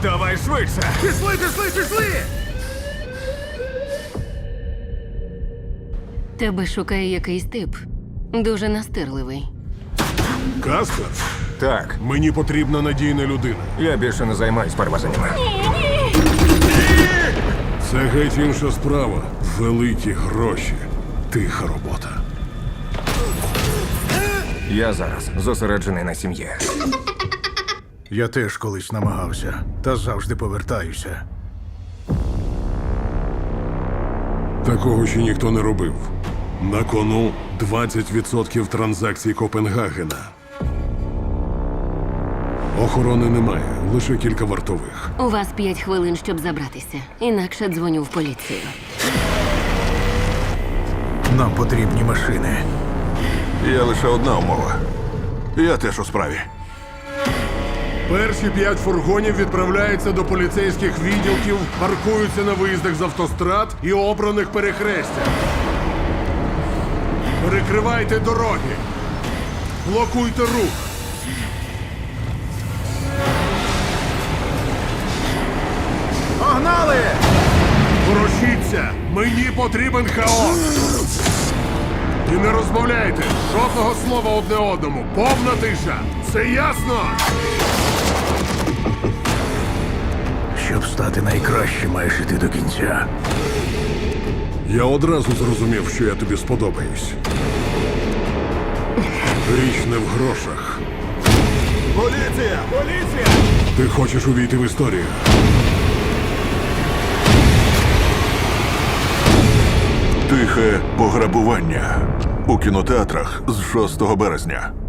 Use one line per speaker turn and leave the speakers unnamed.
Давай швидше!
Пішли, пішли, пішли!
Тебе шукає якийсь тип. Дуже настирливий.
Каспер,
Так,
мені потрібна надійна людина.
я більше не займаюсь перевезеннями.
Це геть інша справа. Великі гроші. Тиха робота.
Я зараз зосереджений на сім'ї.
Я теж колись намагався, та завжди повертаюся.
Такого ще ніхто не робив. На кону 20% транзакцій Копенгагена. Охорони немає, лише кілька вартових.
У вас 5 хвилин, щоб забратися. Інакше дзвоню в поліцію.
Нам потрібні машини.
Є лише одна умова. Я теж у справі.
Перші 5 фургонів відправляються до поліцейських відділків, паркуються на виїздах з автострад і обраних перехрестях. Перекривайте дороги. Блокуйте рух.
Погнали!
Ворушіться! Мені потрібен хаос! І не розмовляйте! Жодного слова одне одному! Повна тиша! Це ясно?
Щоб стати найкращим, маєш іти до кінця.
Я одразу зрозумів, що я тобі сподобаюсь. Річ не в грошах.
Поліція! Поліція!
Ти хочеш увійти в історію.
Тихе пограбування у кінотеатрах з 6 березня.